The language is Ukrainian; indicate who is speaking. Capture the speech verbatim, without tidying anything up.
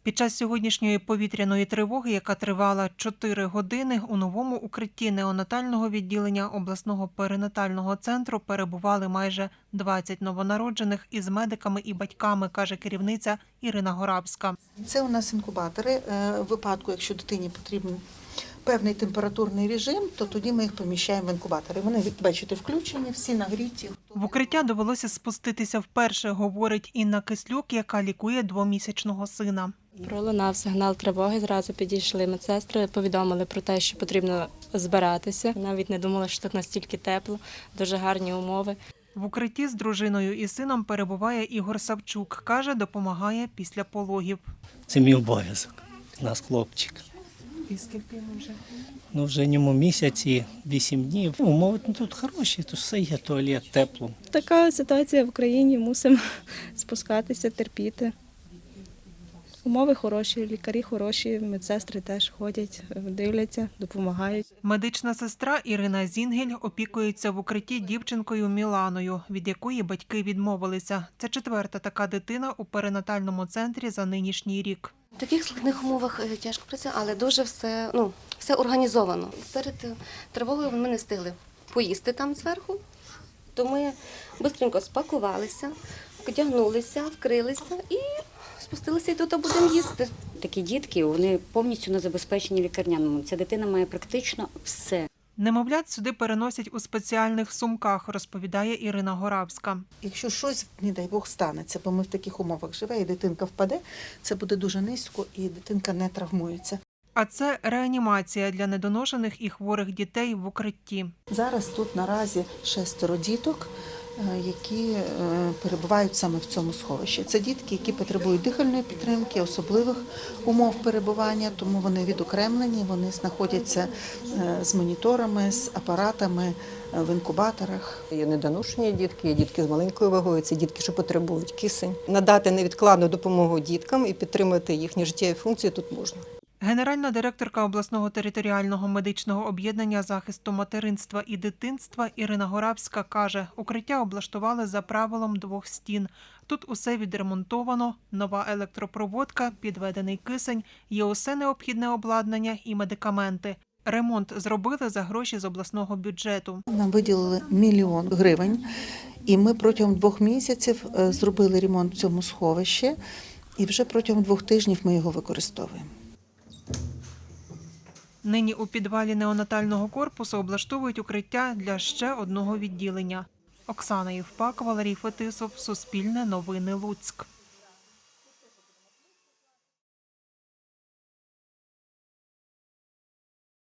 Speaker 1: Під час сьогоднішньої повітряної тривоги, яка тривала чотири години, у новому укритті неонатального відділення обласного перинатального центру перебували майже двадцять новонароджених із медиками і батьками, каже керівниця Ірина Горабська.
Speaker 2: Це у нас інкубатори. В випадку, якщо дитині потрібен певний температурний режим, то тоді ми їх поміщаємо в інкубатори. Вони, бачите, включені, всі нагріті.
Speaker 1: В укриття довелося спуститися вперше, говорить Інна Кислюк, яка лікує двомісячного сина.
Speaker 3: Пролунав сигнал тривоги, зразу підійшли медсестри, повідомили про те, що потрібно збиратися. Навіть не думала, що тут настільки тепло, дуже гарні умови.
Speaker 1: В укритті з дружиною і сином перебуває Ігор Савчук. Каже, допомагає після пологів.
Speaker 4: Це мій обов'язок. У нас хлопчик.
Speaker 1: І скільки йому вже?
Speaker 4: Ну, вже йому місяці, вісім днів. Умови тут хороші, тут все є, туалет, тепло.
Speaker 5: Така ситуація в країні, мусимо спускатися, терпіти. Умови хороші, лікарі хороші, медсестри теж ходять, дивляться, допомагають.
Speaker 1: Медична сестра Ірина Зінгель опікується в укритті дівчинкою Міланою, від якої батьки відмовилися. Це четверта така дитина у перинатальному центрі за нинішній рік.
Speaker 6: В таких складних умовах тяжко працювати, але дуже все, ну, все організовано. Перед тривогою ми не встигли поїсти там зверху, то ми швидко спакувалися, одягнулися, вкрилися і спустилися і тут будемо їсти.
Speaker 7: Такі дітки, вони повністю не забезпечені лікарняному. Ця дитина має практично все.
Speaker 1: Немовлят сюди переносять у спеціальних сумках, розповідає Ірина Горабська.
Speaker 2: Якщо щось, не дай Бог, станеться, бо ми в таких умовах живе, і дитинка впаде, це буде дуже низько, і дитинка не травмується.
Speaker 1: А це реанімація для недоношених і хворих дітей в укритті.
Speaker 2: Зараз тут наразі шестеро діток, які перебувають саме в цьому сховищі. Це дітки, які потребують дихальної підтримки, особливих умов перебування, тому вони відокремлені, вони знаходяться з моніторами, з апаратами в інкубаторах.
Speaker 8: Є недоношені дітки, є дітки з маленькою вагою, це дітки, що потребують кисень. Надати невідкладну допомогу діткам і підтримати їхні життєві функції тут можна.
Speaker 1: Генеральна директорка обласного територіального медичного об'єднання захисту материнства і дитинства Ірина Горабська каже, укриття облаштували за правилом двох стін. Тут усе відремонтовано, нова електропроводка, підведений кисень, є усе необхідне обладнання і медикаменти. Ремонт зробили за гроші з обласного бюджету.
Speaker 2: Нам виділили мільйон гривень, і ми протягом двох місяців зробили ремонт в цьому сховищі, і вже протягом двох тижнів ми його використовуємо.
Speaker 1: Нині у підвалі неонатального корпусу облаштовують укриття для ще одного відділення. Оксана Євпак, Валерій Фетисов, Суспільне новини, Луцьк.